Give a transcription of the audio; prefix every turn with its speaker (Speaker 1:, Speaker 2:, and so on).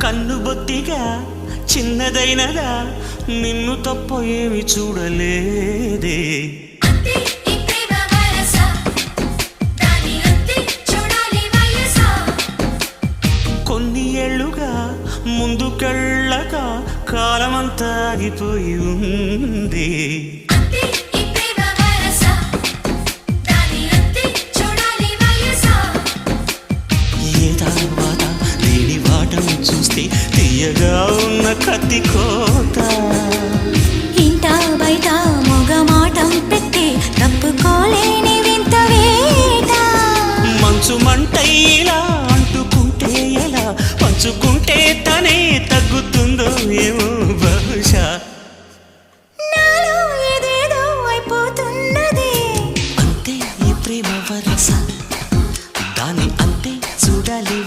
Speaker 1: కన్నుబొత్తిగా చిన్నదైనదా నిన్ను తప్ప ఏమి చూడలేదే కొన్ని ఏళ్ళుగా ముందుకెళ్ళక కాలమంతా ఆగిపోయి ఉంది ఏ తర్వాత లేని వాటను చూస్తే తీయగా ఉన్న కత్తి కోత